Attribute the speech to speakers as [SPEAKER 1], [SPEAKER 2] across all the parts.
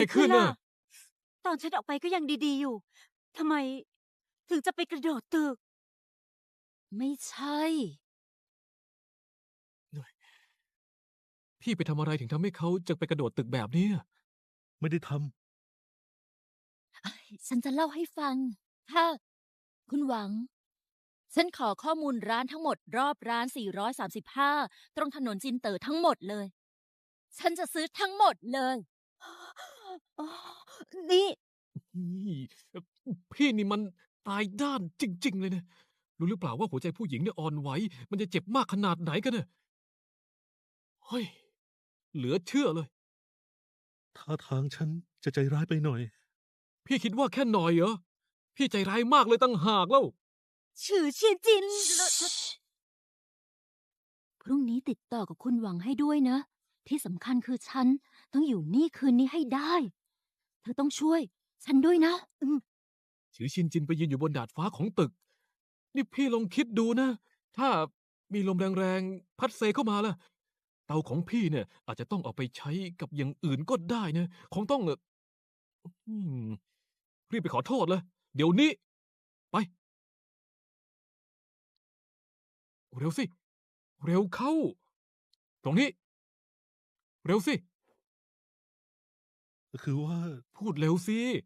[SPEAKER 1] ไอ้ขึ้นน่ะ
[SPEAKER 2] ตอนฉันออกไปก็ยังดีๆอยู่ทำไมถึงจะไปกระโดดตึก
[SPEAKER 3] ไม่ใช่
[SPEAKER 1] พี่ไปทำอะไรถึงทำให้เขาจะไปกระโดดตึกแบบนี้อะ
[SPEAKER 4] ไม่ได้ท
[SPEAKER 3] ฉันจะเล่าให้ฟัง ถ้า คุณหวัง ฉันขอข้อมูลร้านทั้งหมดรอบร้าน 435 ตรงถนนจินเต๋อทั้งหมดเลย ฉันจะซื้อทั้งหมดเลย
[SPEAKER 2] อ๋อ นี่
[SPEAKER 1] นี่พี่นี่มันตายด้านจริง ๆ เลยนะรู้หรือเปล่าว่าหัวใจผู้หญิงเนี่ยอ่อนไหวมันจะเจ็บมากขนาดไหนกันเนี่ยเฮ้ยเหลือเชื่อเลย
[SPEAKER 4] ำท่าทางฉันจะใจร้ายไปหน่อย
[SPEAKER 1] พี่คิดว่าแค่หน่อยเหรอพี่ใจร้ายมากเลยตั้งหากแล้ว
[SPEAKER 2] ฉือเชียนจิน
[SPEAKER 3] พรุ่งนี้ติดต่อกับคุณหวังให้ด้วยนะ ที่สำคัญคือฉันต้องอยู่นี่คืนนี้ให้ได้ เธอต้องช่วย ฉันด้วยนะ
[SPEAKER 1] ถือชินจินไปยืนอยู่บนดาดฟ้าของตึก นี่พี่ลองคิดดูนะ ถ้ามีลมแรงๆ พัดเซเข้ามาล่ะ เตาของพี่เนี่ย อาจจะต้องเอาไปใช้กับอย่างอื่นก็ได้นะ คงต้องอืมรีบไปขอโทษเลย เดี๋ยวนี้ ไป เร็วสิ เร็วเข้า ตรงนี้ เร็วสิ
[SPEAKER 4] คือว่า
[SPEAKER 1] พูดเร็วสิ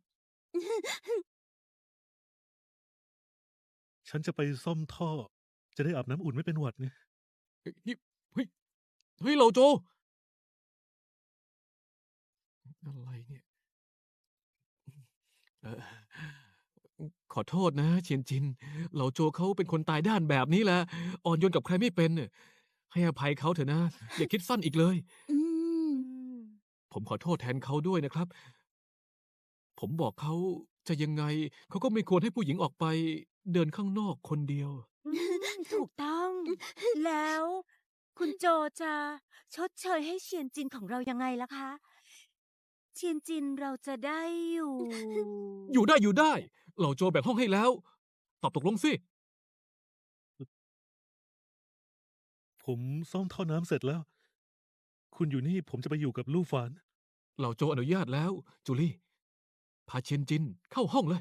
[SPEAKER 4] ฉันจะไปซ่อมท่อ จะได้อาบน้ำอุ่นไม่เป็นหวัดไง
[SPEAKER 1] เฮ้ยนี่เฮ้ย เฮ้ย เราโจ อะไรเนี่ยเอ่อขอโทษนะเชียนจินเหล่าโจเขาเป็นคนตายด้านแบบนี้แหละ อ่อนโยนกับใครไม่เป็นน่ะให้อภัยเขาเถอะนะ อย่าคิดสั้นอีกเลย
[SPEAKER 3] อืม
[SPEAKER 1] ผมขอโทษแทนเขาด้วยนะครับ ผมบอกเขาจะยังไง เขาก็ไม่ควรให้ผู้หญิงออกไปเดินข้างนอกคนเดียว
[SPEAKER 2] ถูกต้อง แล้ว คุณโจจะชดเชยให้เชียนจินของเรายังไงล่ะคะ เชียนจินเราจะได้อยู่
[SPEAKER 1] อยู่ได้อยู่ได้ เหล่าโจแบ่งห้องให้แล้ว ตอบตกลงสิ
[SPEAKER 4] ผมซ่อมท่อน้ำเสร็จแล้ว คุณอยู่นี่ผมจะไปอยู่กับลู่ฝาน
[SPEAKER 1] เหล่าโจอนุญาตแล้ว จูลี่ พาเชียนจินเข้าห้องเลย